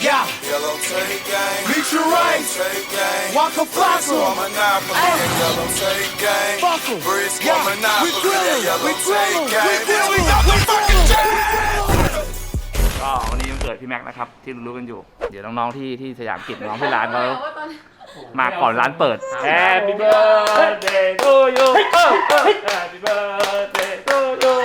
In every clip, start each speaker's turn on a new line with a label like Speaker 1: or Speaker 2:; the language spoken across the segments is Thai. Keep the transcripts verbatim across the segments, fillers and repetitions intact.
Speaker 1: Yeah.
Speaker 2: Yellow tape gang.
Speaker 1: Meet your rights.
Speaker 2: Tape gang.
Speaker 1: Walk a fossil.
Speaker 2: Monopoly.
Speaker 1: Hey.
Speaker 2: Yellow tape gang.
Speaker 1: Fossil.
Speaker 2: Brisk
Speaker 1: Yeah.
Speaker 2: Monopoly.
Speaker 1: We grillin'.
Speaker 2: Yellow
Speaker 1: We grillin'.
Speaker 2: tape
Speaker 1: We
Speaker 2: gang.
Speaker 1: grillin'. We grillin'.
Speaker 3: ก็วันนี้วันเกิดพี่แม็กนะครับที่รู้ๆกันอยู่เดี๋ยวน้องๆที่ที่สยามกิจน้องที่ร้านเขามาก่อนร้านเปิด Happy birthday to you Happy birthday to you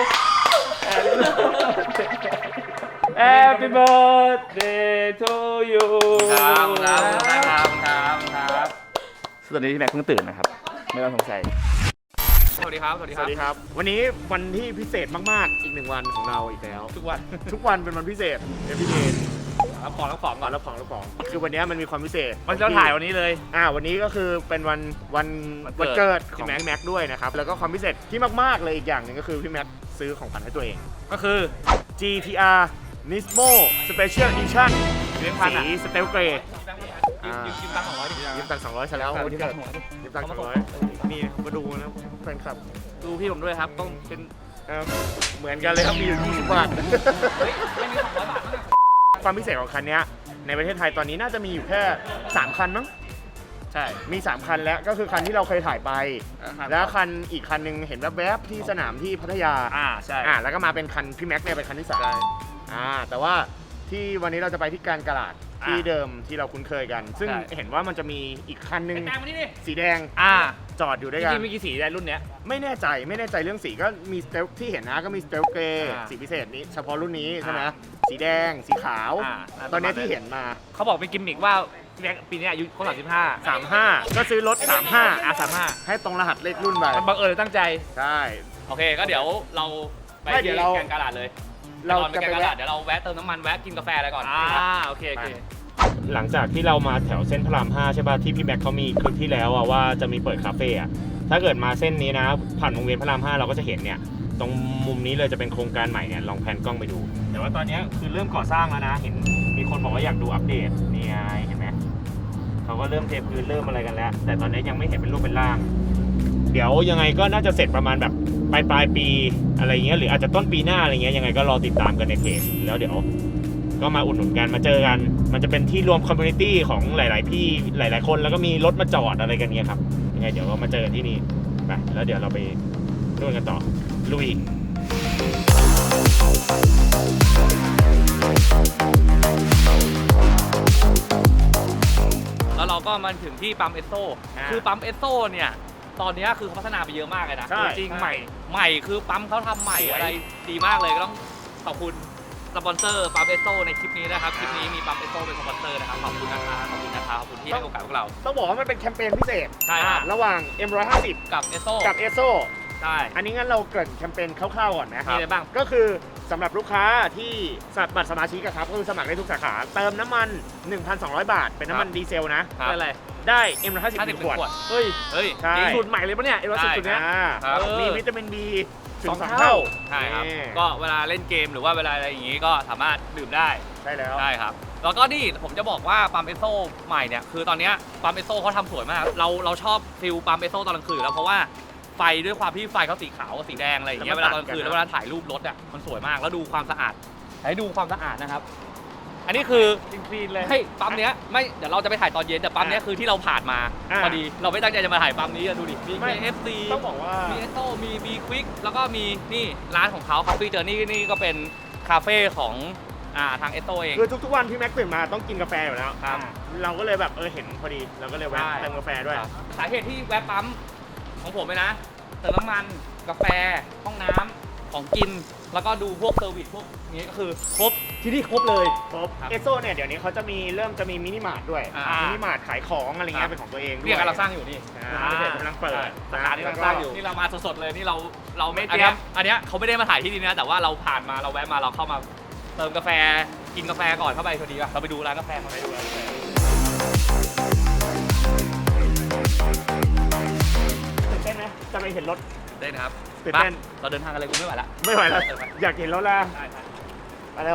Speaker 3: Happy birthday to you ครับครับครับครับครับตอนนี้พี่แม็กเพิ่งตื่นนะครับไม่ต้องสงสัยสวัสดีครับสวัสดี
Speaker 4: ส
Speaker 3: ครับ
Speaker 4: วัสดีครับวันนี้วันที่พิเศษมากๆอีกหนึ่งวันของเราอีกแล้ว
Speaker 3: ทุกวัน
Speaker 4: ทุกวันเป็นวันพิเศษเอฟพีเดย์
Speaker 3: รับของรับของ
Speaker 4: ก่
Speaker 3: ก่
Speaker 4: อ
Speaker 3: อน น
Speaker 4: รับของรับของคือวันนี้มันมีความพิเศษ
Speaker 3: วันที่เราถ่ายวันนี้เลย
Speaker 4: อ่าวันนี้ก็คือเป็นวันวัน
Speaker 3: วั
Speaker 4: วัน
Speaker 3: นเกิ
Speaker 4: เกิด
Speaker 3: ด
Speaker 4: ของแม็กแม็กด้วยนะครับแล้วก็ความพิเศษที่มากๆเลยอีกอย่างหนึ่งก็คือพี่แม็กซื้อของขวัญให้ตัวเอง
Speaker 3: ก็คือ
Speaker 4: จี ที อาร์ Nismo Special Edition
Speaker 3: เลี้ยงพัน
Speaker 4: สี
Speaker 3: อ่ะ
Speaker 4: สเตลเกรด
Speaker 3: ยืมยืมยืมตังค์สองร้อยดิ
Speaker 4: ยืมตังค์สองร้อยใช่แล้ววันเกิดยืมตังค์สองร้อยนี่มาดูนะแฟนคลับ
Speaker 3: ดูพี่ผมด้วยครับต้องเป็น
Speaker 4: เอ่อเหมือนกันเลยครับมีอยู่ยี่สิบบาท
Speaker 3: เฮ้ยไม่มีสองร้อยบาทมั้ง
Speaker 4: ความพิเศษของคันนี้ในประเทศไทยตอนนี้น่าจะมีอยู่แค่สามคันมั้ง
Speaker 3: ใช่
Speaker 4: มีสามคันแล้วก็คือคันที่เราเคยถ่ายไป
Speaker 3: ครับ
Speaker 4: แล้วคันอีกคันหนึงเห็นแวบๆที่สนามที่พัทยา
Speaker 3: อ่าใช่
Speaker 4: อ่าแล้วก็มาเป็นคันพี่แม็กเนี่ยเป็นคันที่สาม
Speaker 3: ใช่
Speaker 4: อ่าแต่ว่าที่วันนี้เราจะไปที่การกลาด
Speaker 3: อ่า
Speaker 4: ที่เดิมที่เราคุ้นเคยกัน ซึ่ง
Speaker 3: ใช่
Speaker 4: เห็นว่ามันจะมีอีกคันหนึง
Speaker 3: แตงมานี่ดิ
Speaker 4: สีแดง
Speaker 3: อ่า
Speaker 4: จอดอยู่
Speaker 3: จ
Speaker 4: ด้วยกัน
Speaker 3: ริงๆมีกี่สีได้รุ่นเนี้ย
Speaker 4: ไม่แน่ใจไม่แน่ใจเรื่องสีก็มีสเตลที่เห็นนะก็มีสเตลเกรย์
Speaker 3: อ่า
Speaker 4: สีพิเศษนี้เฉพาะรุ่นนี้ใช่ไหม
Speaker 3: อ่า
Speaker 4: สีแดงสีขาว
Speaker 3: อ่า
Speaker 4: ตอนนี้
Speaker 3: ประมาณ
Speaker 4: ที่เห็นมา
Speaker 3: เขาบอกเป็นกิมมิกว่าพี่แม็กปีนี้อายุครบสามสิบห้า
Speaker 4: สามห้าก็ซื้อรถสามห้า
Speaker 3: อ่ะสามห้า
Speaker 4: ให้ตรงรหัสเลขรุ่นไป
Speaker 3: มันบังเอิญตั้งใจ
Speaker 4: ใช่
Speaker 3: โอเคก็เดี๋ยวเราไป
Speaker 4: ไม่เดี๋
Speaker 3: ที่
Speaker 4: ยวเรา
Speaker 3: แกงกาลาดเลย
Speaker 4: เรา
Speaker 3: ก่อนไป
Speaker 4: จะ
Speaker 3: แก
Speaker 4: ไป
Speaker 3: งกาลาด
Speaker 4: แวะ
Speaker 3: เดี๋ยวเราแวะเติมน้ำมันแวะกินกาแฟอะไรก่อนอ่าโอเคโอเค
Speaker 4: หลังจากที่เรามาแถวเส้นพระรามห้าใช่ป่ะที่พี่แม็กเขามีคลิปที่แล้วอะว่าจะมีเปิดคาเฟ่อะถ้าเกิดมาเส้นนี้นะผ่านวงเวียนพระรามห้าเราก็จะเห็นเนี่ยตรงมุมนี้เลยจะเป็นโครงการใหม่เนี่ยลองแพนกล้องไปดูแต่ว่าตอนนี้คือเริ่มก่อสร้างแล้วนะเห็นมีคนบอกว่าอยากดูอัปเดตนี่ไงเห็นไหมเขาก็เริ่มเทพื้นเริ่มอะไรกันแล้ว แต่ตอนนี้ยังไม่เห็นเป็นรูปเป็นร่าง เดี๋ยวยังไงก็น่าจะเสร็จประมาณแบบปลายปลายปีอะไรเงี้ยหรืออาจจะต้นปีหน้าอะไรเงี้ยยังไงก็รอติดตามกันในเพจแล้วเดี๋ยวก็มาอุดหนุนกันมาเจอกัน มันจะเป็นที่รวมคอมมูนิตี้ของหลาย ๆ พี่หลาย ๆ คนแล้วก็มีรถมาจอดอะไรกันเงี้ยครับยังไงเดี๋ยวก็มาเจอกันที่นี่ไปแล้วเดี๋ยวเราไปนู่นกันต่อลุย
Speaker 3: แล้วเราก็มาถึงที่ปั๊มเอสโซคือปั๊มเอสโซเนี่ยตอนนี้คือเขาพัฒนาไปเยอะมากเลยนะ
Speaker 4: ใช่
Speaker 3: จริงๆใหม่ใหม่คือปั๊มเขาทำใหม่อะไรดีมากเลยก็ต้องขอบคุณสปอนเซอร์ปั๊มเอสโซในคลิปนี้นะครับคลิปนี้มีปั๊มเอสโซเป็นสปอนเซอร์นะครับขอบคุณนะครับขอบคุณนะครับขอบคุณที่ให้โอกาสพวกเรา
Speaker 4: ต้องบอกว่ามันเป็นแคมเปญพิเศษ
Speaker 3: ใช่ครับ
Speaker 4: ระหว่าง เอ็ม หนึ่งร้อยห้าสิบ
Speaker 3: กับเอสโซ
Speaker 4: กับเอสโซ
Speaker 3: ใช่
Speaker 4: อันนี้งั้นเราเกริ่นแคมเปญคร่าวๆก่อนนะค
Speaker 3: มี
Speaker 4: รับ
Speaker 3: อะไรบ้าง
Speaker 4: ก็คือสำหรับลูกค้าที่บัตรสมาชิกอะครับก็คือสมัครได้ทุกสาขาเติมน้ำมัน หนึ่งพันสองร้อย บาท เป็นน้ำมันดีเซลนะ
Speaker 3: ได้อะไร
Speaker 4: ได้ เอ็ม หนึ่งร้อยห้าสิบ
Speaker 3: ห้าสิบ
Speaker 4: ขวด
Speaker 3: ขวดเฮ้ยเฮ้ย
Speaker 4: ใช่
Speaker 3: จริงสูตรใหม่เลยปะเนี่ยเอสโซสูตรเนี้ย
Speaker 4: อ่า
Speaker 3: ครับ
Speaker 4: มีวิตามิน B ถึง
Speaker 3: สอง
Speaker 4: สอง
Speaker 3: เท่า
Speaker 4: เท่า
Speaker 3: ใช่ครับ
Speaker 4: นี่
Speaker 3: ก็เวลาเล่นเกมหรือว่าเวลาอะไรอย่างงี้ก็สามารถดื่มได้
Speaker 4: ใช่แล้ว
Speaker 3: ใช่ครับ แล้วก็นี่ผมจะบอกว่าปั๊มเอสโซใหม่เนี่ยคือตอนเนี้ยปั๊มเอสโซเขาทำสวยมาก เราเราชอบฟิลปั๊มเอสโซตอนกลางคืนอยู่แล้วเพราะว่าไฟด้วยความที่ไฟเขาสีขาวกับสีแดงอะไรอย่างเงี้ยเวลาตอนกลางคืนแล้วเวลาถ่ายรูปรถอ่ะมันสวยมากแล้วดูความสะอาดให้ดูความสะอาดนะครับ อันนี้คือ
Speaker 4: คลีนๆเลย
Speaker 3: ให้ปั๊มเนี้ยไม่เดี๋ยวเราจะไปถ่ายตอนเย็นแต่ปั๊มเนี้ยคือที่เราผ่านมา
Speaker 4: อ่า
Speaker 3: พอดีเราไม่ตั้งใจจะมาถ่ายปั๊มนี้อะดูดิมี
Speaker 4: ไม่
Speaker 3: เอฟซี
Speaker 4: ต้องบอกว่า
Speaker 3: มีเอสโซมีบีควิกแล้วก็มีนี่ร้านของเขา Coffee Journey นี่ก็เป็นคาเฟ่ของอ่าทางเอสโซเอง
Speaker 4: คือทุกๆวันพี่แม็กตื่นมาต้องกินกาแฟอยู่แล้ว
Speaker 3: ครับ
Speaker 4: อ่าเราก็เลยแบบเออเห็นพอดีเราก็เลยแวะ
Speaker 3: ใช่
Speaker 4: เติมกาแฟด้วย
Speaker 3: ครับสาเหตุที่แวะปั๊มของผมเลยนะเติมน้ำมันกาแฟห้องน้ำของกินแล้วก็ดูพวกเซอร์วิสพวกนี้ก็คือครบที่นี่ครบเลย
Speaker 4: ครบ
Speaker 3: ครับ
Speaker 4: เอสโซเนี่ยเดี๋ยวนี้เขาจะมีเริ่มจะมีมินิมาร์ทด้วย
Speaker 3: อ่ามิ
Speaker 4: มินิมาร์ทขายของอะไร
Speaker 3: ครั
Speaker 4: เงี้
Speaker 3: บ
Speaker 4: ยเป็นของตัวเองด้วย
Speaker 3: เรียกกำลังสร้างอยู่นี่
Speaker 4: อ่าเดี๋ยวกำลังเปิด
Speaker 3: สาขาที่กำลังสร้างอยู่นี่เรามาสดๆเลยนี่เราเรา
Speaker 4: ไม่
Speaker 3: อัน
Speaker 4: เตรีย
Speaker 3: เนี้
Speaker 4: ม
Speaker 3: ยอันเนี้ยเขาไม่ได้มาถ่ายที่นี่นะแต่ว่าเราผ่านมาเราแวะมาเราเข้ามาเติมกาแฟกินกาแฟก่อนเข้าไปพอดีป่ะเราไปดูร้านกาแฟเขาไปดูร้านกาแฟ
Speaker 4: ตื่นเต้นไหมจะไปเห็นรถ
Speaker 3: ได้นะครับ
Speaker 4: ตื่นเต้น
Speaker 3: มาเราเดินทางอะไรกูไม่ไหวละ
Speaker 4: ไม่ไหวแล้ว
Speaker 3: เออไป
Speaker 4: อยากเห็นรถแล้ว
Speaker 3: ได้ครับ
Speaker 4: ไปเร็ว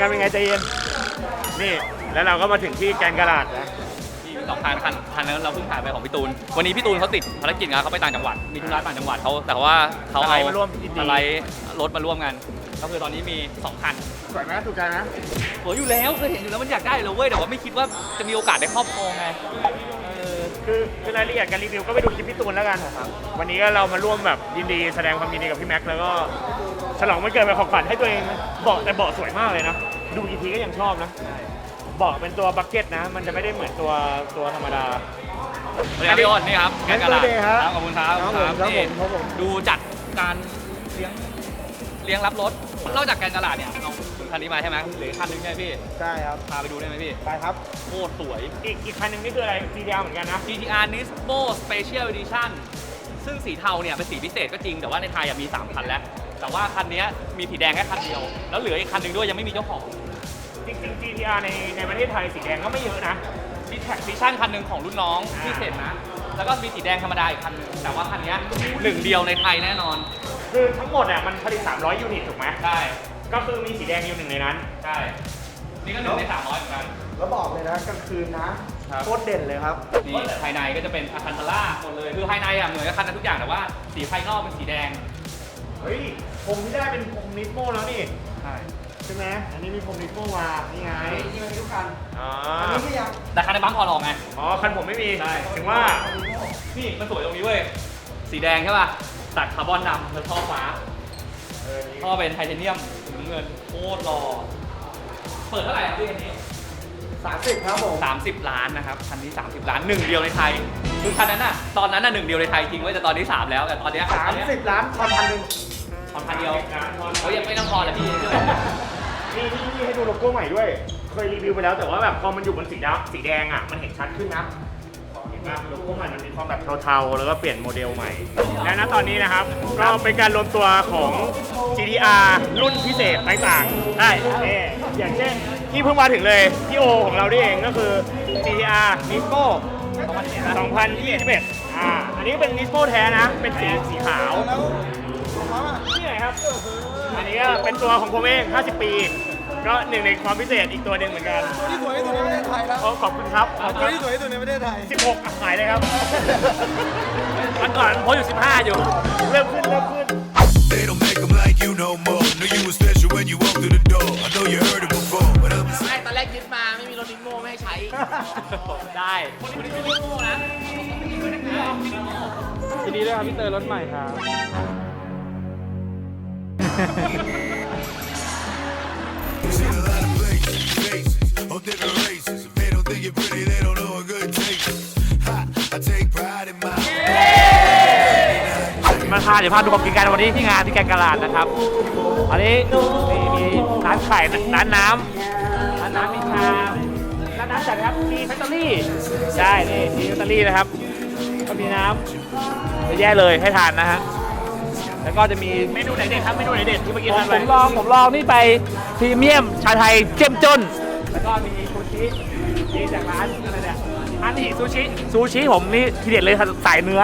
Speaker 4: การเป็นไงใจเย็นนี่แล้วเราก็มาถึงที่แกนกระดาษนะ
Speaker 3: ที่สองคันคันคันนั้นเราเพิ่งถ่ายไปของพี่ตูนวันนี้พี่ตูนเขาติดภารกิจงานเขาไปต่างจังหวัดมีธุระต่างจังหวัดเขาแต่ว่าเขาเอา
Speaker 4: มาร่วมยินดี
Speaker 3: อะไรรถมาร่วมกันก็คือตอนนี้มีสองคัน
Speaker 4: สวยไหมถูกใจไหม
Speaker 3: สวยอยู่แล้วเคยเห็นอยู่แล้วมันอยากได้เลยเว้ยแต่ว่าไม่คิดว่าจะมีโอกาสได้ครอบครองไงเออ
Speaker 4: คือคือรายละเอียดการรีวิวก็ไปดูคลิปพี่ตูนแล้วกันครับวันนี้ก็เรามาร่วมแบบยินดีแสดงความยินดีกับพี่แม็กซ์แล้วก็ฉลองวันเกิดเป็นของขวัญให้ตัวเองเบาะแต่เบาะสวยมากเลยนะดูกี่ทีก็ยังชอบนะเบาะเป็นตัวบักเก็ตนะมันจะไม่ได้เหมือนตัวตัวธรรมดา
Speaker 3: สวัสดีครับพี่อ้นนี่ครับแกนกะลา
Speaker 4: สวัสดีครับ
Speaker 3: ขอบคุณครับ
Speaker 4: ครับผมครับผม
Speaker 3: นี่
Speaker 4: ครับผม
Speaker 3: ดูจัดการเลี้ยงเลี้ยงรับรถนอกจากแกนกะลาเนี่ยเอาคันนี้มาใช่ไหมเหลืออกคันนึงใช่ไหมพี่
Speaker 4: ใช่ครับ
Speaker 3: พาไปดูได้ไหมพี่
Speaker 4: ไปครับ
Speaker 3: โคตรสวย
Speaker 4: อีกอีกคันหนึงนี่คืออะไร ซี ดี อาร์ เหมือนกันนะ
Speaker 3: จี ที อาร์ Nismo Special Edition ซึ่งสีเทาเนี่ยเป็นสีพิเศษก็จริงแต่ว่าในไทยอะมีสามคันแล้ว แต่ว่าคันนี้มีสีแดงแค่คันเดียว แล้วเหลืออีกคันหนึ่งด้วยยังไม่มีเจ้าของ
Speaker 4: จริงๆ จี ที อาร์ ในในประเทศไทยสีแดงก็ไม่เยอะนะ
Speaker 3: มีแท็กซิชั่นคันหนึ่งของรุ่นน้องพิเศษนะ แล้วก็มีสีแดงธรรมดาอีกคันหนึงแต่ว่าคันนี้หนึ่งเดียวในไทยแน่นอน
Speaker 4: คือทั้งหมดอ่ะมันผลิตสามร้อยยูนิตถูกไหม
Speaker 3: ใช่
Speaker 4: ก็คือมีสีแดงอยู่หนึ่งในนั้น
Speaker 3: ใช่ นี่ก็หนึ่งในสามร้อยเหมือนกัน
Speaker 5: แล้วบอกเลยนะกลางคืนนะครับ โคตรเด่นเลยครับ
Speaker 3: นี่ภายในก็จะเป็นอาคันทาร่าหมดเลย คือภายในอ่ะเหมือนกับคันนั้นทุกอย่างแต่ว่าสีภายนอกเป็นสีแดง
Speaker 4: เฮ้ยผมที่ได้เป็นผมนิสโมแล้วนี่
Speaker 3: ใช่
Speaker 4: ใช่ไหมอันนี้มีผมนิสโมมานี่ไง
Speaker 5: นี่มันทุกคัน
Speaker 4: อ๋อ
Speaker 5: อันนี้ก็ยัง
Speaker 3: แต่คันในปั๊มพอลองไง
Speaker 4: อ๋อคันผมไม่มี
Speaker 3: ใช่
Speaker 4: ถึงว่า
Speaker 3: นี่มันสวยตรงนี้เว้ย สีแดงใช่ป่ะ ตัดคาร์บอนดำแล้วท่อฟ้า
Speaker 4: เออนี่
Speaker 3: ท่อเป็นไทเทเนียมสีน้ำเงินโคตรหล่อ เปิดเท่าไหร่ครับพี่คันนี้
Speaker 5: สามสิบครับผม
Speaker 3: สามสิบล้านนะครับ คันนี้ สามสิบล้านหนึ่งเดียวในไทย คือคันนั้นน่ะ ตอนนั้นน่ะหนึ่งเดียวในไทยจริงเว้ยแต่ตอนนี้สามแล้ว แต่ตอนเนี้ย
Speaker 5: สามสิบล้านคันพันหนึ่ง
Speaker 3: ตอนคันเดียวเขายังไม่ต้องพอเลยพี่
Speaker 4: นี่นี่นี่ให้ดูโลโก้ใหม่ด้วย เคยรีวิวไปแล้วแต่ว่าแบบพอมันอยู่บนสีดำสีแดงอ่ะมันเห็นชัดขึ้นนะเห็นไหมโลโก้ใหม่มันมีความแบบเทาๆแล้วก็เปลี่ยนโมเดลใหม่ และณตอนนี้นะครับก็เป็นการรวมตัวของ จี ที อาร์ รุ่นพิเศษต่างๆได้นี่อย่างเช่นที่เพิ่งมาถึงเลยพี่โอของเรานี่เองก็คือ จี ที อาร์ Nismo สองพันยี่สิบเอ็ดอ่าอันนี้เป็น Nismo แท้นะเป็นสีสีขาว
Speaker 5: แล้วของเขาอ่ะ
Speaker 4: นี่ไหนครับ อันนี้ก็เป็นตัวของผมเองห้าสิบปี ก็หนึ่งในความพิเศษอีกตัวหนึ่งเหมือนกัน
Speaker 5: ตัวที่สวยที่สุดในประเทศไทยแล้ว
Speaker 4: โอ้ขอบคุณครับ
Speaker 5: ตัวที่สวยที่สุดในประเทศไทย
Speaker 4: สิบหกอ่ะขายเลยครับ
Speaker 3: มันก่อนโพสอยู่สิบห้าอยู่
Speaker 4: เริ่มขึ้นเริ่มขึ้น
Speaker 2: They don't make them like you no more. Know you was special when you walked through the door. I know you heard it before, but I'm
Speaker 6: ไม่ตอนแรกยึดมาไม่มีรถนิโม่ไม่ให้ใช้
Speaker 3: ได้คนนี้ไม่ได้โง่นะ
Speaker 5: ยินดีด้วยครับพี่เตยรถใหม่ครับ
Speaker 2: seen a lot of places, faces, of different races. If they don't think you're pretty, they don't know a good taste. Ha, I take pride in my.
Speaker 3: มาทานเดี๋ยวพาดูความกินกันวันนี้ที่งานที่แกงกะลาดนะครับ อันนี้มีมีร้านไข่ร้านน้ำร้านน้ำมีชาร้านน้ำจัดครับมีแฟคทอรี่ใช่นี่มีแฟคทอรี่นะครับ ก็มีน้ำเยอะแยะเลยให้ทานนะฮะ แล้วก็จะมี
Speaker 4: เมนูไหนเด็ดครับ เมนูไหนเด็ดที่เมื่อกี้
Speaker 3: ผม
Speaker 4: ทาน
Speaker 3: ผ
Speaker 4: ไป
Speaker 3: มลองผมลองนี่ไปพรีเมียมชาไทยเจ้มจน แล้วก็มีซูชินี่จากร้านอะไรเนี่ยอันนี้ซูชิซูชิผมนี่ทีเด็ดเลยสายเนื้อ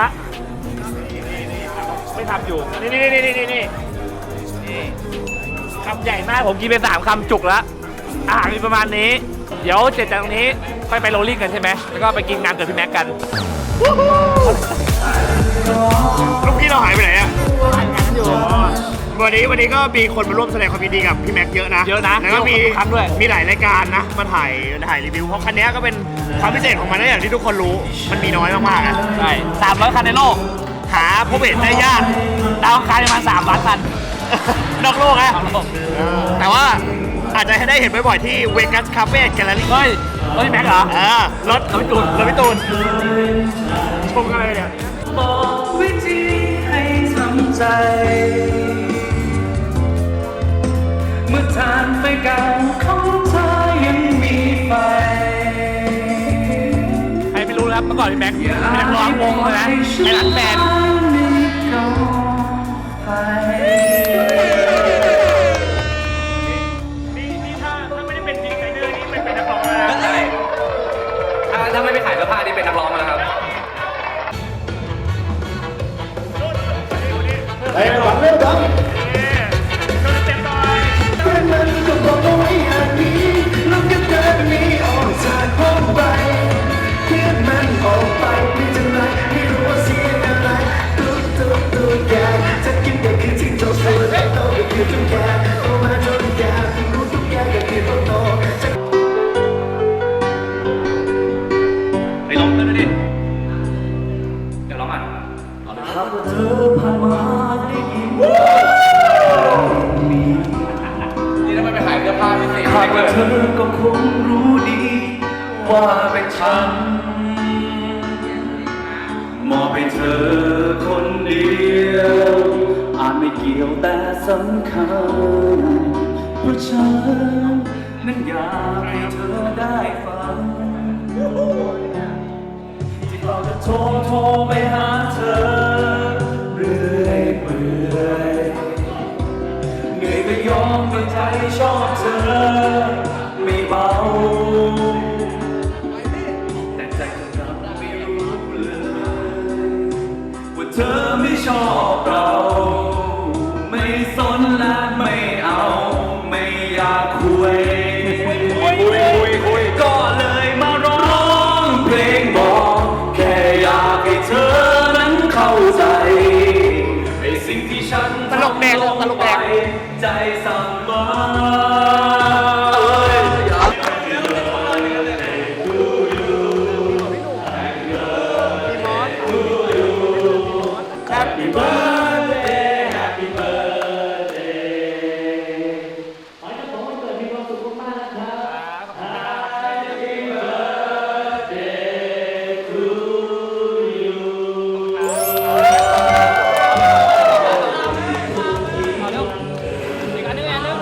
Speaker 3: ไม่ทำอยู่นี่นี่นี่นี่นี่นี่นี่คำใหญ่มากผมกินไปสามคำจุกแล้วอาหารมีประมาณนี้ เดี๋ยวเสร็จจากตรงนี้ค่อยไปโรลลิ่งกันใช่ไหมแล้วก็ไปกินงานเกิดพี่แม็กกัน
Speaker 4: ลูกพี่เราหายไปไหนอ่ะวันนี้วันนี้ก็มีคนมาร่วมแสดงความยินดีกับพี่แม็กเยอะนะ
Speaker 3: เยอะนะ
Speaker 4: แล้วก็มี
Speaker 3: เยอะกว่าทุกครั้งด้วย
Speaker 4: มีหลายรายการนะมาถ่ายถ่ายรีวิวเพราะคันนี้ก็เป็นความพิเศษของมันนะอย่างที่ทุกคนรู้มันมีน้อยมากๆอ่ะ
Speaker 3: ใช่สามร้อยคันในโลก
Speaker 4: หาพบเห็นได้ยาก
Speaker 3: ดาวอังคารประมาณสามล้านคัน
Speaker 4: นอกโลกนะ
Speaker 3: สามโลก
Speaker 4: แต่ว่าอาจจะให้ได้เห็นบ่อยๆที่เวกัสคาเฟ่แกลเลอรี่
Speaker 3: เฮ้ยรถพี่แม็กเหรอ
Speaker 4: เออรถรถพี่ตูนรถพี่ตูนชมกันเลยเนี่ย
Speaker 7: บอกวิธีให้ทำใจ เมื่อทานไฟเก่าของเธอยังมีไฟ
Speaker 3: ใครไม่รู้นะครับเมื่อก่อนพี่แม็กเป็นนักร้องวงเลยนะไอ้รักแบนด์
Speaker 4: นี่นี่ถ้าถ้าไม่ได้เป็นดีไซเนอร์นี่เป็นเป็นนักร้องแล้วนะ
Speaker 3: ใช่ถ้าถ้าไม่ไปขายเสื้อผ้านี่เป็นนักร้องมาแล้วครับ
Speaker 5: เฮ้ยหวังเรื่องดัง
Speaker 4: โดนเต็มหน่อย
Speaker 5: เป็นเงินก็บอกว่าไม่อยาก
Speaker 7: ว่าเป็นฉันมอบให้เธอคนเดียวอาจไม่เกี่ยวแต่สำคัญเพราะฉันนั้นอยากให้เธอได้ฟังที่เราจะโทรโทรไปหาเธอเรื่อยเปื่อยเหนื่อยก็ยอมเป็นใจชอบเธอไม่เบาแต่ใจของเราไม่รู้เลยว่าเธอไม่ชอบเราไม่สนและไม่เอาไม่อยากคุยก็เลยมาร้องเพลงบอกแค่อยากให้เธอนั้นเข้าใจไอ้สิ่งที่ฉัน
Speaker 3: ตลกแดงตลกแดง
Speaker 7: ใจสั่งมาHappy birthday Happy birthday ขอให้ทุกคนเกิดมีความสุขมากๆนะครับ Happy birthday to you
Speaker 3: เอาเร็วอีกอันนึงอันนึง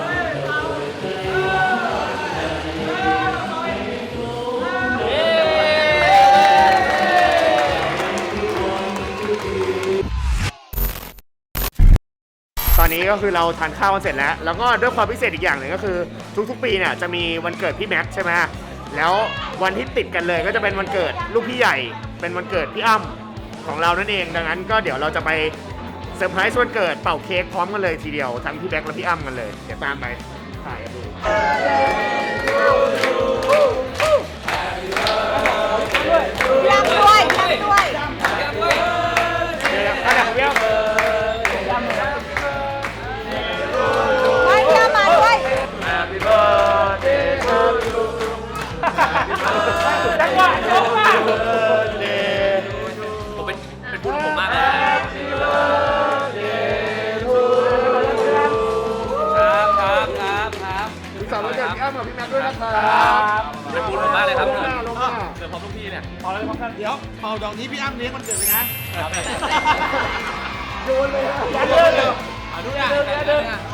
Speaker 4: ตอนนี้ก็คือเราทานข้าวกันเสร็จแล้ว แล้วก็ด้วยความพิเศษอีกอย่างหนึ่งก็คือทุกๆปีเนี่ยจะมีวันเกิดพี่แม็กซ์ใช่ไหมแล้ววันที่ติดกันเลยก็จะเป็นวันเกิดลูกพี่ใหญ่ เป็นวันเกิดพี่อ้ำของเรานั่นเอง ดังนั้นก็เดี๋ยวเราจะไปเซอร์ไพรส์วันเกิดเป่าเค้กพร้อมกันเลยทีเดียวทั้งพี่แม็กซ์และพี่อ้ำกันเลย เดี๋ยวตามไปถ่ายกันดู
Speaker 8: ยังด้วยยังด้วย
Speaker 4: เดี๋ยวๆอันไหนของพี่อ้ำ
Speaker 8: ไม่เยี่ยมมาด้วย
Speaker 4: Happy birthday to you จังหวะจังหวะ
Speaker 3: ผมเป็นเป็นบุญผมมากเลย
Speaker 4: Happy birthday to you
Speaker 3: ครับครับครับครับ
Speaker 4: พี่สาววันเกิดพี่อ้ำกับพี่แม็กซ์ด้วยนะครับ
Speaker 3: เป็นบุญผมมากเลยครับ
Speaker 4: ลงหน้าลงหน้า
Speaker 3: เกิดพร้อมลูกพี่เนี่ย
Speaker 5: พอแล้วพร้อมกันเดี๋ยวเป่าดอกนี้พี่อ้ำเลี้ยงวันเกิดเลยนะ
Speaker 3: ครับ
Speaker 4: โยนเลยนะยัดเลยเลย
Speaker 3: เอาดูเนี่ยเดินเนี่ย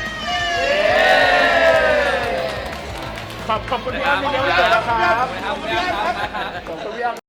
Speaker 4: ขอบขอบคุณพี่อ้ำที่เลี้ยงวันเกิดนะครับ
Speaker 3: ครับครับครับ
Speaker 4: ขอบคุณพี่อ้ำ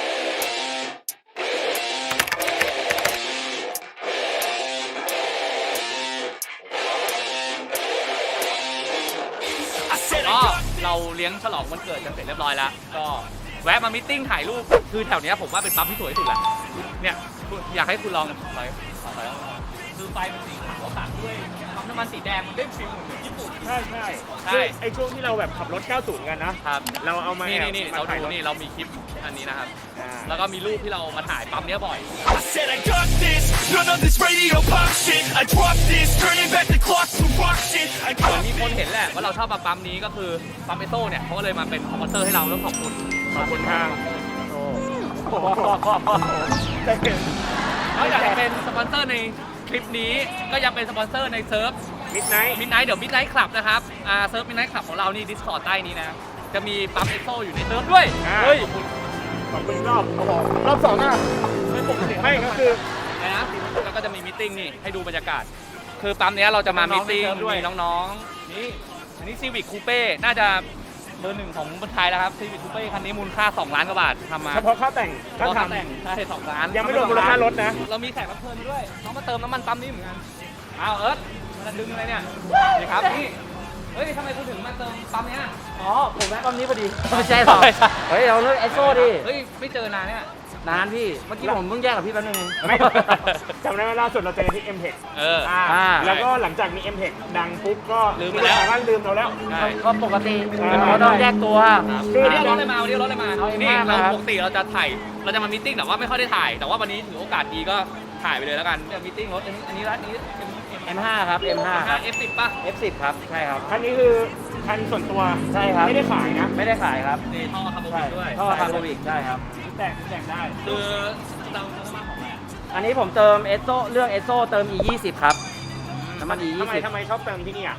Speaker 3: ก็เราเลี้ยงฉลองวันเกิดกันเสร็จเรียบร้อยแล้ว ก็แวะมามิทติ้งถ่ายรูป คือแถวเนี้ยผมว่าเป็นปั๊มที่สวยที่สุดแหละ เนี่ยอยากให้คุณลองไปไปคือไฟมันสีขาวตัดด้วยปั๊มน้ำมันสีแดงมันได้ฟิลเหมือนญี่ปุ่น
Speaker 4: ใช่ใช่
Speaker 3: ใช่
Speaker 4: คือไอ้ช่วงที่เราแบบขับรถเก้าสิบกันนะ
Speaker 3: ครับ
Speaker 4: เราเอามา
Speaker 3: นี่
Speaker 4: แอบ
Speaker 3: นี่นี่
Speaker 4: มา
Speaker 3: เรา
Speaker 4: ถ่าย
Speaker 3: ดู
Speaker 4: รถ
Speaker 3: นี่เรามีคลิปอันนี้นะครับ
Speaker 4: อ่า
Speaker 3: แล้วก็มีรูปที่เรามาถ่ายปั๊มเนี้ยบ่อย
Speaker 1: I said I got this, none of this radio pop shit. I drop this, turning back the clock to rock shit. I
Speaker 3: เหมือน
Speaker 1: got
Speaker 3: มีคน
Speaker 1: this.
Speaker 3: เห็นแหละว่าเราชอบปั๊มนี้ก็คือปั๊มเอโซ่เนี่ยเขาก็เลยมาเป็นสปอนเซอร์ให้เราแล้วขอบคุณ
Speaker 4: ขอบคุณทางโอ้โห
Speaker 3: นอกจากจะเป็นสปอนเซอร์ในคลิปนี้ก็ยังเป็นสปอนเซอร์ในเซิร์ฟ
Speaker 4: มิดไนท์
Speaker 3: มิดไนท์เดี๋ยวมิดไนท์คลับนะครับอ่าเซิร์ฟมิดไนท์คลับของเรานี่ Discord ใต้นี้นะจะมีปั๊มเอโซ่อยู่ในเซิร์ฟด้วย
Speaker 4: เฮ้ยขอบคุณรอบรอบสองอ่ะ
Speaker 3: ไม่ปกติ
Speaker 4: ไม่ก็คือ
Speaker 3: นะแล้วก็จะมีมิทติ้งนี่ให้ดูบรรยากาศ คือปั๊มเนี้ยเราจะมามิทติ้ง
Speaker 4: ด้วย
Speaker 3: มีน้องๆนี่อันนี้ซีวิคคูเป้น่าจะเบอร์หนึ่งของคนไทยแล้วครับซีวิคคูเป้คันนี้มูลค่าสองล้านกว่าบาททำมา
Speaker 4: เฉพาะค่าแต่งก็
Speaker 3: ก็
Speaker 4: ท
Speaker 3: แต่งใช่สองล้าน
Speaker 4: ำยังไม่รวมมูลค่ารถนะ
Speaker 3: เรามีแขกรับเชิญด้วยน้องมาเติมน้ำมันปั๊มนี้เหมือนกันอ้าวเอิร์ธมาดึงอะไรเนี่ยนี่ครับนี่เฮ้ยทำไมคุณถึงมาเติมปั๊มเนี้ย
Speaker 6: อ๋อ ผมแวะปั๊มนี้พอดี ไม่ใช่หรอ เฮ้ย เราเลิกไอโซ่ดิ
Speaker 3: เฮ้ยไม่เจอนานเนี่ย
Speaker 6: นานพี่ เมื่อกี้ผมเพิ่งแยกกับพี่แป๊บนึงเอง
Speaker 4: ไม่จำได้ไหมล่าสุดเราเจอที่ M-Tech
Speaker 3: เออ
Speaker 4: อ่า
Speaker 6: อ่า
Speaker 4: แล้วก็หลังจากมี M-Tech ดังปุ๊บก็
Speaker 3: ลืมไปแล้ว
Speaker 4: สามารถลืมเราแล้ว
Speaker 3: ใช่
Speaker 6: ก็ปกติ
Speaker 4: อ่า
Speaker 6: เราต้องแยกตัว
Speaker 4: คือ
Speaker 3: วันนี้เอารถอะไรมาวันนี้เอารถอะไรมา
Speaker 6: เอา M
Speaker 3: นี่
Speaker 6: ห้า
Speaker 3: เรา
Speaker 6: ครับ
Speaker 3: ปกติเราจะถ่ายเราจะมามิทติ้งแต่ว่าไม่ค่อยได้ถ่าย แต่ว่าวันนี้ถือโอกาสดีก็ถ่ายไปเลยแล้วกันจะมิทติ้งรถอันนี้อันนี้ร้านนี้
Speaker 6: เอ็มห้า ครับ เอ็มห้า ครับ
Speaker 3: เอฟสิบป่ะ
Speaker 6: เอฟสิบ ครับ ใช่ครับ
Speaker 4: คันนี้คือคันส่วนตัว
Speaker 6: ใช่ครับ
Speaker 4: ไม่ได้ขายนะ
Speaker 6: ไม่ได้ขายครับ
Speaker 3: นี่ท่อคาร์บอน
Speaker 6: ใช่
Speaker 3: ด้วย
Speaker 6: ท่อคาร์บอวิกใช่ครับ
Speaker 4: แต่งแต่งได้
Speaker 3: คือเราน้ำมันของอะไรอะ
Speaker 6: อันนี้ผมเติมเอสโซเรื่องเอสโซเติม อี ยี่สิบ ครับ น้ำมัน อี
Speaker 4: ทำ
Speaker 6: ยี่
Speaker 4: ไม
Speaker 6: สิบ
Speaker 4: ทำไมชอบเติมที่นี่อ่ะ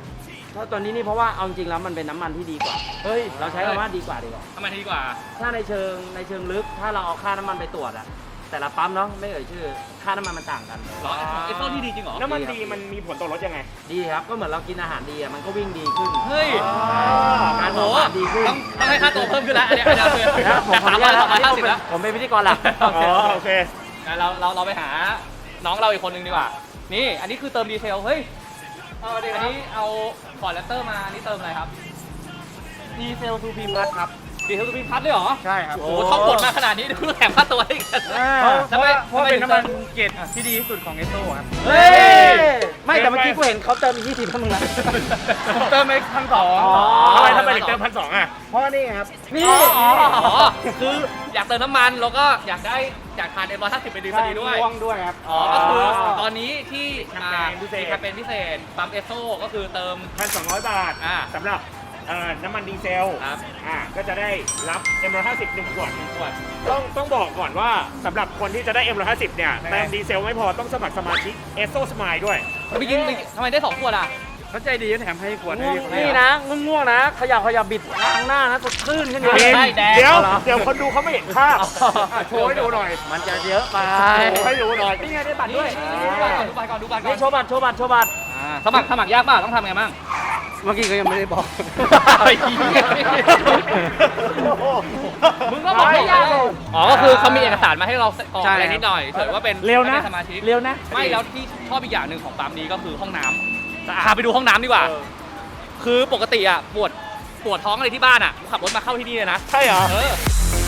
Speaker 6: ถ้าตัวนี้นี่เพราะว่าเอาจริงแล้วมันเป็นน้ำมันที่ดีกว่า เฮ้ย เราใช้คำว่าดีกว่าดีกว่า
Speaker 3: ทำไมดีกว่า
Speaker 6: ถ้าในเชิงในเชิงลึก ถ้าเราเอาค่าน้ำมันไปตรวจอะแต่ละปั๊มเนาะไม่เอ่ยชื่อ ค่าน้ำมันมันต่างกัน
Speaker 3: เหรอไอ้ของไอ้ต้นที่ดีจริงเหรอ
Speaker 4: น้ำมันดีมันมีผลต่อรถยังไง
Speaker 6: ดีครับ ก็เหมือนเรากินอาหารดีอะมันก็วิ่งดีขึ้น
Speaker 3: เฮ้ย
Speaker 6: การ
Speaker 3: โอ้
Speaker 6: อ
Speaker 3: โห
Speaker 6: อกงานดีขึ้น
Speaker 3: ต้องต้องให้ค่าตัวเพิ่มขึ้นแล้วอันเนี้ยอันเนี้ยคือ
Speaker 6: แล้วผม
Speaker 3: จาก
Speaker 6: ขอ
Speaker 3: สาม
Speaker 6: อนุ
Speaker 3: ร้อย
Speaker 6: ญาต
Speaker 3: สามร้อย
Speaker 6: อันนี้
Speaker 3: ห้า
Speaker 6: ผม
Speaker 3: สิบ
Speaker 6: เป็น
Speaker 3: แล้ว
Speaker 6: ผมเป็นพิธีกรหลัก
Speaker 3: โอเค
Speaker 4: อ๋อโอเค
Speaker 3: งั้นเราเราเราไปหาน้องเราอีกคนนึงดีกว่า นี่อันนี้คือเติมดีเทล เฮ้ยอันนี้เอาฟอร์ดแรปเตอร์มาอันนี้เติมอะไรครับ
Speaker 6: ดีเซลทูพีพัทครับ
Speaker 3: ดีเทลทูพิมพัทเลยเหรอ
Speaker 6: ใช่ครับ
Speaker 3: โอ้โหท่องบทมาขนาดนี้ดูแถมค่าตัวอีก
Speaker 6: เพราะว่าเพราะว่าเป็นน้ำมัน
Speaker 5: เกรดที่ดีที่สุดของเอสโซครับ
Speaker 6: เฮ้ย ไม่แต่เมื่อกี้กูเห็นเขาเติมอีกยี่สิบให้มึงนะ
Speaker 5: ผมเติมไปพันสอง
Speaker 6: อ๋อ
Speaker 4: ทำไมทำไมถึงเติมพันสองอ่ะ
Speaker 5: เพราะนี่ครับ
Speaker 6: นี่
Speaker 3: อ๋อคืออยากเติมน้ำมันแล้วก็อยากได้อยากทานเอ็มร้อยห้าสิบไปดีพอดีด้วย
Speaker 5: ม่วงด้วยครับ
Speaker 3: อ๋อ ก็คือตอนนี้ที่
Speaker 4: แคมเปญพิเศษ
Speaker 3: มีแคมเปญพิเศษปั๊มเอสโซก็คือเติม
Speaker 4: พันสองร้อยบาท
Speaker 3: อ่า
Speaker 4: สำหรับเอ่อน้ำมันดีเซล
Speaker 3: ครับ
Speaker 4: อ่าก็จะได้รับ เอ็ม หนึ่งร้อยห้าสิบ หนึ่งขวด
Speaker 3: ขวด
Speaker 4: ต้องต้องบอกก่อนว่าสำหรับคนที่จะได้ เอ็ม หนึ่งร้อยห้าสิบ เนี่ยเติมดีเซลไม่พอต้องสมัครสมาชิก เอสโซ Smile ด้วย
Speaker 3: ไปกินไปกินทำไมได้สองขวดอ่ะ
Speaker 5: เขาใจดีแถมให้ขวด
Speaker 6: ง่วง
Speaker 5: ให้
Speaker 6: นี่นะง่วงๆนะขยับขยับบิดล้างหน้านะสดชื่นขึ้นเยอะ
Speaker 3: ใช่แดง
Speaker 4: เดี๋ยว
Speaker 6: เอาเหรอ
Speaker 4: เดี๋ยวคนดูเขาไม่เห็นภาพอ่ะโชว์ให้ดูหน่อย
Speaker 6: มันจะเยอะไป
Speaker 4: โชว์ให้ดูหน่อยนี่ไงได้บัตรด้วย
Speaker 3: ดูบัตรก่อนดูบัตรก่อนดูบัตรก่อ
Speaker 6: นี่
Speaker 3: น
Speaker 6: โชว์บัตรโชว์บัตรโชว์บัตร
Speaker 3: อ่าสมัครสมัครยากป่ะต้องทำไงบ้าง
Speaker 5: เมื่อกี้ก็ยังไม่ได้บอก
Speaker 3: มึงก็บอกไม่ยากเลยอ๋อ ก็คือเขามีเอกสารมาให้เรากรอก
Speaker 5: ใช่
Speaker 3: อะไรนิดหน่อยเฉยว่าเป็น
Speaker 6: เร็วนะ
Speaker 3: ป็สมาชิก
Speaker 6: เร็วนะ
Speaker 3: ไม่แล้วที่ชอบอีกอย่างหนึ่งของปั๊มนี้ก็คือห้องน้ำพาไปดูห้องน้ำดีกว่า คือปกติอ่ะปวดปวดท้องอะไรที่บ้านอ่ะขับรถมาเข้าที่นี่เลยนะ
Speaker 4: ใช่เหรอ
Speaker 3: เออ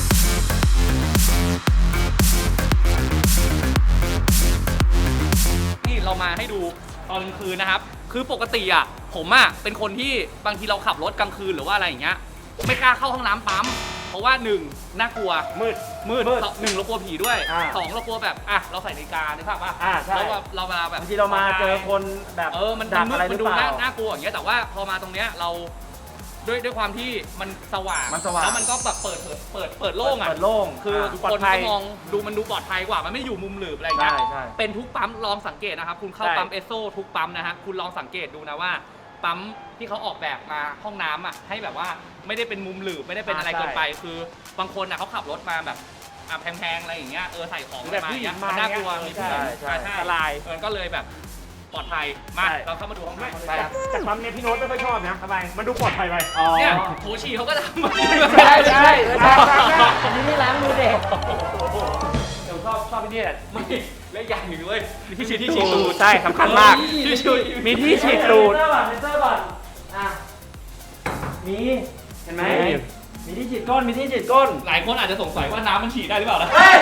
Speaker 3: นี่เรามาให้ดูตอนกลางคืนนะครับ คือปกติอ่ะผมอ่ะเป็นคนที่บางทีเราขับรถกลางคืนหรือว่าอะไรอย่างเงี้ยไม่กล้าเข้าห้องน้ำปั๊มเพราะว่าหนึ่งน่ากลัว
Speaker 4: มืด
Speaker 3: มืด
Speaker 6: มืด
Speaker 3: สองหนึ่งเรากลัวผีด้วย
Speaker 6: อ่า
Speaker 3: สองเรากลัวแบบอ่ะเราใส่นาฬิกานึกภาพป่ะ
Speaker 6: อ่าใช่
Speaker 3: แล้วแบบเราเวลาแบบ
Speaker 6: บางทีเรามาเจอคนแบบ
Speaker 3: เออมัน
Speaker 6: ดัก
Speaker 3: มืด
Speaker 6: อะไรห
Speaker 3: มั
Speaker 6: รื
Speaker 3: น
Speaker 6: อ
Speaker 3: ดู
Speaker 6: เปล่า
Speaker 3: น่าน่ากลัวอย่างเงี้ยแต่ว่าพอมาตรงเนี้ยเราด้วยด้วยความที่มันสว่าง
Speaker 6: มันสว่าง
Speaker 3: แล้วมันก็แบบเปิดเผยเปิดเปิดโล่งอ่ะ
Speaker 6: เปิดโล่ง
Speaker 3: คือ
Speaker 6: อ่า
Speaker 3: ค
Speaker 6: ปลอด
Speaker 3: น
Speaker 6: ภัย
Speaker 3: ก็มองดูมันดูปลอดภัยกว่า มันไม่อยู่มุมหลืบอะไรอย่างเงี้ย
Speaker 6: ใช่ใช่
Speaker 3: เป็นทุกปั๊มลองสังเกตนะครับ คุณเข้า
Speaker 6: ใช่
Speaker 3: ปั๊มเอสโซทุกปั๊มนะฮะ คุณลองสังเกตดูนะว่า ปั๊มที่เขาออกแบบมาห้องน้ำอ่ะให้แบบว่าไม่ได้เป็นมุมหลืบไม่ได้เป็นอะไรเกินไป คือบางคนอ่ะเขาขับรถมาแบบอ่ะแพงๆอะไรอย่างเงี้ย เออใส่ของอะไรมาอย่างเงี้ยมันน่ากลัวมีผู้หญิง
Speaker 6: ใช่ใช่
Speaker 3: ใช่
Speaker 4: อันตราย
Speaker 3: เออก็เลยแบบปลอดภัย มา
Speaker 6: ใช่
Speaker 3: เราเข้ามาดูห้องน้ำเขาเลย
Speaker 6: ใช่ครับ
Speaker 4: แต่ปั๊มเนี่ยพี่โน้ตไม่ค่อยชอบนะทำไมมันดูปลอดภัยไป
Speaker 6: อ๋อ
Speaker 3: เนี่ยโถฉี่เขาก็ทำมา
Speaker 6: ใช่ใช่ใช่อันนี้ไม่ล้างมือเด็ก
Speaker 3: เดี๋ยวชอบชอบที่นี่แหละไม่เล่นอย่างหนึ่งเลยมีที่ฉีดที่ฉีดตูด
Speaker 4: ใช่สำคัญมาก
Speaker 3: ที่ฉีด
Speaker 4: มีที่ฉีดตูด
Speaker 6: เซนเซอร์ก่อนเซนเซอร์ก่อนอ่ะมีเห็นไหม
Speaker 4: มี
Speaker 6: มีที่ฉีดก้นมีที่ฉีดก้น
Speaker 3: หลายคนอาจจะสงสัยว่าน้ำมันฉีดได้หรือเปล่านะ
Speaker 6: เฮ้ย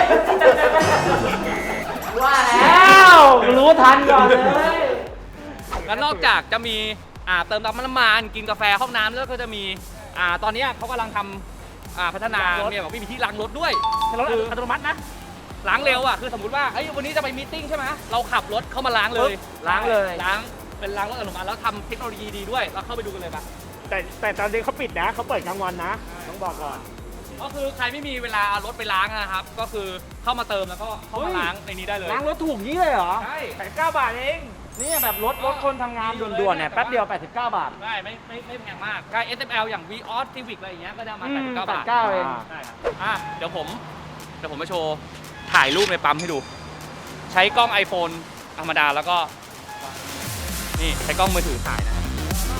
Speaker 6: ว่าแล้วรู้ทันก่อนเลย
Speaker 3: แล้วนอกจากจะมีอ่าเติมน้ำมันน้ำมันกินกาแฟห้องน้ำแล้วก็จะมีอ่าตอนนี้เขากำลังทำอ่าพัฒนาเนี่ยบอกว่ามีที่ล้างรถด้วย
Speaker 6: รถอัตโนมัตินะ
Speaker 3: ล้างเร็วอ่ะคือสมมติว่าเอ้ยวันนี้จะไปมีตติ้งใช่ไหมเราขับรถเข้ามาล้างเลย
Speaker 6: ล้างเลย
Speaker 3: ล้างเป็นล้างรถอัตโนมัติแล้วทำเทคโนโลยีดีด้วยเราเข้าไปดูกันเลยปะ
Speaker 4: แต่แต่ตอนนี้เขาปิดนะเขาเปิดกลางวันนะ ต้องบอกก่อน
Speaker 3: ก็คือใครไม่มีเวลาเอารถไปล้างนะครับ ก็คือเข้ามาเติมแล้วก็เข้ามาล้างในนี้ได้เลย
Speaker 6: ล้างรถถูกนี้เลยเหรอ
Speaker 3: ใช่
Speaker 4: แปดสิบเก้าบาทเอง
Speaker 6: นี่แบบรถรถคนทำงานด่วนๆเนี่ยแป๊บเดียวแปดสิบเก้าบาท
Speaker 3: ได้ไม่ไม่ไม่แพงมากใกล้ เอส เอ็ม แอล อย่าง วี ออส Civic อะไรอย่างเงี้ยก็จะมา
Speaker 6: อื
Speaker 3: แปด
Speaker 6: ม
Speaker 3: สิบเก้าบาท
Speaker 6: แปดสิบเก้าเอง
Speaker 3: ใช่ครับอ่ะเดี๋ยวผมเดี๋ยวผมมาโชว์ถ่ายรูปในปั๊มให้ดู ใช้กล้อง iPhone ธรรมดาแล้วก็ นี่ใช้กล้องมือถือถ่ายนะครับ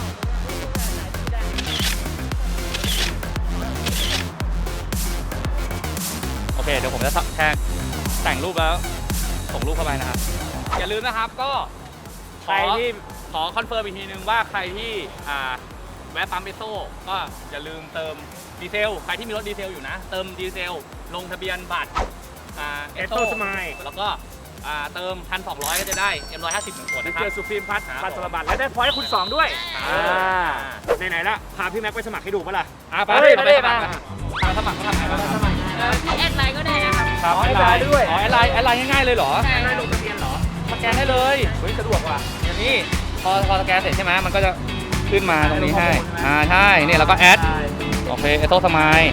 Speaker 3: โอเคเดี๋ยวผมจะแท็กแต่งรูปแล้วส่งรูปเข้าไปนะครับ อย่าลืมนะครับก็
Speaker 4: ใครที่
Speaker 3: ขอคอนเฟิร์มอีกทีนึงว่าใครที่อ่าแวะปั๊มเอสโซก็อย่าลืมเติมดีเซล ใครที่มีรถดีเซลอยู่นะ เติมดีเซล ลงทะเบียนบัตรอ่า
Speaker 4: เอสโซสมาย
Speaker 3: แล้วก็อ่าเติม หนึ่งพันสองร้อย ก็จะได้ เอ็ม หนึ่งร้อยห้าสิบ หนึ่งขวด
Speaker 4: ดี
Speaker 3: นะค
Speaker 4: เจ
Speaker 3: รับ
Speaker 4: สุพรีมพัท
Speaker 3: ครับ
Speaker 4: พัสรบัตรและได้พอยต์คุณสองด้วย
Speaker 3: อ่า
Speaker 4: ไหนๆละพาพี่แม็กไปสมัครให้ดูปะล่ะ
Speaker 3: อ่าไป
Speaker 6: เฮ้ย
Speaker 3: ไป
Speaker 6: ไป
Speaker 3: ไป
Speaker 6: ไป
Speaker 3: สมัครสมัครเขาทำไงบ้าง
Speaker 8: ที่แอดไลน์ก็ได้นะครับ
Speaker 3: ครับ
Speaker 6: อ๋อแอดไลน์ด้วย
Speaker 3: อ๋อแอดไลน์แอดไลน์ง่ายๆเลยเหรอ
Speaker 8: ใช่
Speaker 4: ได้ลงทะเบียนเหรอ
Speaker 3: สแกนได้เลยเฮ้ยสะดวกว่ะอย่างนี้พอพอสแกนเสร็จใช่ไหมมันก็จะขึ้นมาตรงนี้ให้อ่าใช่เนี่ยแล้วก็แอดโอเคเอสโซสมาย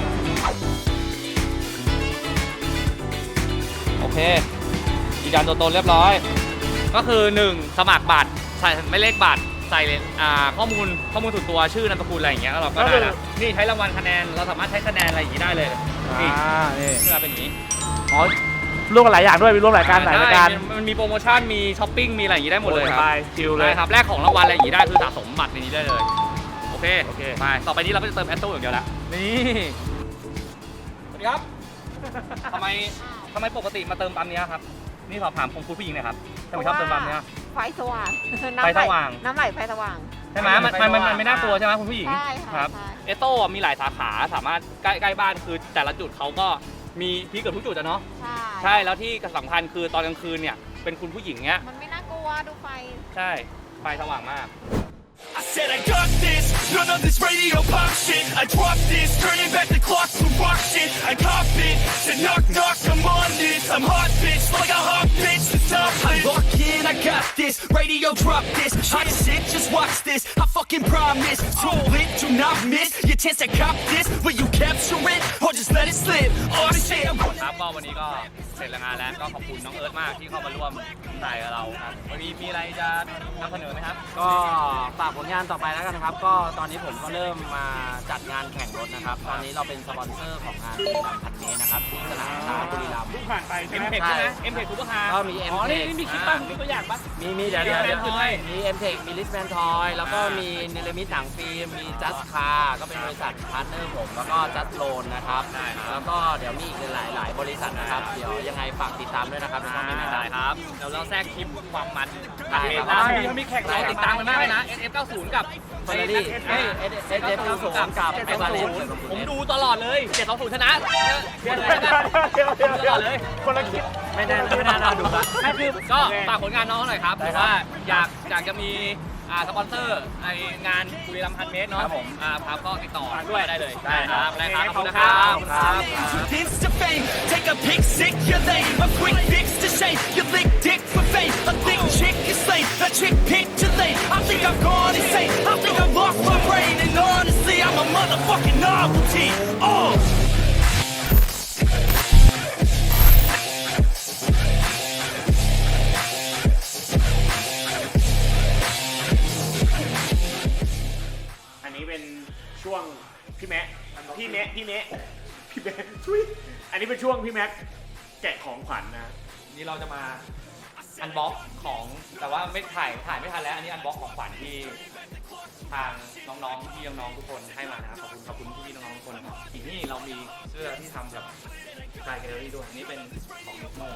Speaker 3: โอเคยืนยันตัวตนเรียบร้อย ก็คือหนึ่งสมัครบัตรใส่ไม่เลขบัตรใส่อ่าข้อมูลข้อมูลส่วนตัวชื่อนามสกุลอะไรอย่างเงี้ยแล้วเราก็ได้แล้วนี่ใช้รางวัลคะแนนเราสามารถใช้คะแนนอะไรอย่างงี้ได้เลยนี่
Speaker 5: อ่านี่
Speaker 3: เพื่อเป็นอย่างนี้
Speaker 5: อ๋อร่วมกันหลายอย่างด้วยมีร่วมหลายการหลายรายการ
Speaker 3: ได้มันมีโปรโมชั่นมีช้อปปิ้งมีอะไรอย่างงี้ได้หมดเลยครับ
Speaker 5: ไปชิลเลย
Speaker 3: ได้ครับแลกของรางวัลอะไรอย่างงี้ได้คือสะสมบัตรในนี้ได้เลยโอเค
Speaker 5: โอเค
Speaker 3: ไปต่อไปนี้เราก็จะเติมแอสโต้อย่างเดียวแล้ว
Speaker 5: นี่
Speaker 3: สวัสดีครับทำไมทำไมปกติมาเติมปั๊มเนี้ยครับนี่สอบถามคุณผู้หญิงหน่อยครับทำไมชอบเติมปั๊มเนี้ย
Speaker 9: ไฟสว่าง
Speaker 3: ไฟสว่าง
Speaker 9: น้ำไหลไฟสว่าง
Speaker 3: ใช่ไหมมันมันมันมันไม่น่ากลัวใช่ไหมคุณผู้หญิง
Speaker 9: ใช่ค่ะ
Speaker 3: ครับ
Speaker 9: ใช่
Speaker 3: เอโต้มีหลายสาขาสามารถใกล้ใกล้บ้านคือแต่ละจุดเขาก็มีพี่เกือบทุกจุดอะเนาะ
Speaker 9: ใช่
Speaker 3: ใช่แล้วที่สำคัญคือตอนกลางคืนเนี่ยเป็นคุณผู้หญิงเนี้ย
Speaker 9: มันไม่น่ากลัวดูไฟ
Speaker 3: ใช่ไฟสว่างมาก
Speaker 1: I said I got this, none of this radio pop shit. I drop this, turning back the clock to rock shit. I cop it, said knock knock, I'm on this. I'm hot bitch, like a hot bitch, the top I lock in, I got this, radio drop this. Hot shit, just watch this, I fucking promise. Too lit, do not miss your chance to cop this. Will you capture it, or just let it slip? Oh shit, I'm
Speaker 3: ครับก็วันนี้ก็เสร็จแล้วงานแล้วก็ขอบคุณน้องเอิร์ธมากที่เข้ามาร่วมถ่ายกับเราครับวันนี้มีอะไรจะนำเสนอไหมครับ
Speaker 6: ก็ฝากผลงานต่อไปแล้วกันนะครับ ก็ตอนนี้ผมก็เริ่มมาจัดงานแข่งรถนะครับ ตอนนี้เราเป็นสปอนเซอร์ของงานบุรีรัมย์พันเมตรนะครับที่สนามช้างบุรีรัมย์
Speaker 5: เพิ่งผ่านไปใช่
Speaker 3: เอ็
Speaker 5: ไห
Speaker 3: ม
Speaker 5: ม
Speaker 3: เทคใช่ไหมเอ็มเทคซูเปอร์คาร์
Speaker 6: ก็มี M
Speaker 3: อ๋อ
Speaker 6: Tech
Speaker 3: นี่มีคลิปบ้างมีตัวอย่างปะ
Speaker 6: มีมีเดี๋ยวเดี๋ยวเดี๋ยว
Speaker 3: มี M-Tech
Speaker 6: มี M Tech มี Listman Toy แล้วก็มีเนลมิตหนังฟิล์ม มี Just Car ก็เป็นบริษัทพาร์ทเนอร์ผม แล้วก็ Just Loan นะครับ
Speaker 3: ได้ครับ
Speaker 6: แล้วก็เดี๋ยวมีอีกหลายหลายบริษัทนะครับ เดี๋ยวยังไงฝากติดตามด้วยนะครับในช่องนี้นะค
Speaker 3: ได้
Speaker 6: รับ
Speaker 3: ครับเดี๋ยวเราแทรกคลิปความมัน
Speaker 6: ได้ครับ
Speaker 3: ล่าสุดเขามีแข่งเราติดตามกันมากเลยนะ เอส เอฟ เก้าสิบ กับ
Speaker 6: เฟอร์รารี่เอ้ย เอส เอฟ เก้าสิบ กับ
Speaker 3: เจ็ด
Speaker 6: ไอ
Speaker 3: สอง
Speaker 6: วาเล
Speaker 3: ศู
Speaker 6: น
Speaker 3: นย์ผมดูตลอดเลยเจ็ดสองศูนย์ชนะเชื่อเลยนะ
Speaker 5: เดี๋ยวเดี๋ยว
Speaker 3: ต
Speaker 5: เดี๋
Speaker 3: ล
Speaker 5: ยว
Speaker 3: อดเลย
Speaker 5: คนละคลิป
Speaker 6: ไม่ได้ไม่ได้น่าดูละ
Speaker 3: ไม่คือก็ฝากผลงานน้องหน่อยครับ
Speaker 6: ได้
Speaker 3: หรือ
Speaker 6: ครับ
Speaker 3: ว่าอยากอยากจะมีอ่าสปอนเซอร์ไองานบุรีรัมย์พันเมตรเนาะ
Speaker 6: ครับผม
Speaker 3: อ่าครับก็ติดต่อด้วยได้เลย
Speaker 6: ได้ครับ
Speaker 3: ได้ครับขอบคุณนะครับ
Speaker 6: ครับ
Speaker 1: Insta fame, take a pic, sick, you're lame. A quick fix to shame, you lick dick for fame. A thick chick is lame, a chick picture lame. I think I'm gone insane, I think I've lost my brain. And honestly, I'm a motherfucking novelty. Oh!
Speaker 4: อันนี้เป็นช่วงพี่แม็กพี่แม็กพี่แม็กพี่แม็กทุยอันนี้เป็นช่วงพี่แม็กแกะของขวัญนะ
Speaker 3: นี่เราจะมาอันบ็อกของแต่ว่าไม่ถ่ายถ่ายไม่ทันแล้วอันนี้อันบ็อกของขวัญที่ทางน้องๆพี่น้องๆทุกคนให้มานะครับขอบคุณขอบคุณพี่ๆน้องๆทุกคนครับอีกนี่เรามีเสื้อที่ทำกับกายแกลเลอรี่ด้วยอันนี้เป็นของนิโม่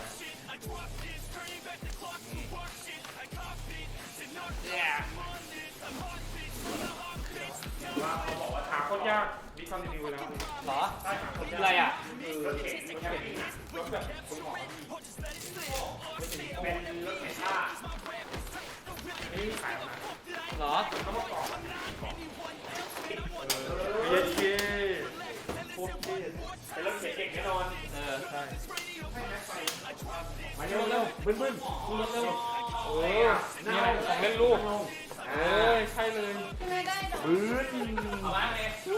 Speaker 4: ว่าเขาบอกว่าหาคนยากดิคอนติเนียแล้ว
Speaker 3: เหรอคืออะไรอ่ะ
Speaker 4: รถเข็นรถเข็นรถแบบคุณหมอเป็นรถเข็นผ้านี่ขายมา
Speaker 3: เหรอ
Speaker 4: เย้เย้โคตรเท่เป็นรถเข็นเด็กแน่นอน
Speaker 3: เออใช่
Speaker 4: มาเร็วเร็วบึ้นบึ้นขึ้นรถเร็วโอ้ย
Speaker 3: นี่อะไรของเล่นลูก
Speaker 4: เอ้ยใช่เลยบึ้น
Speaker 3: เอามาเลย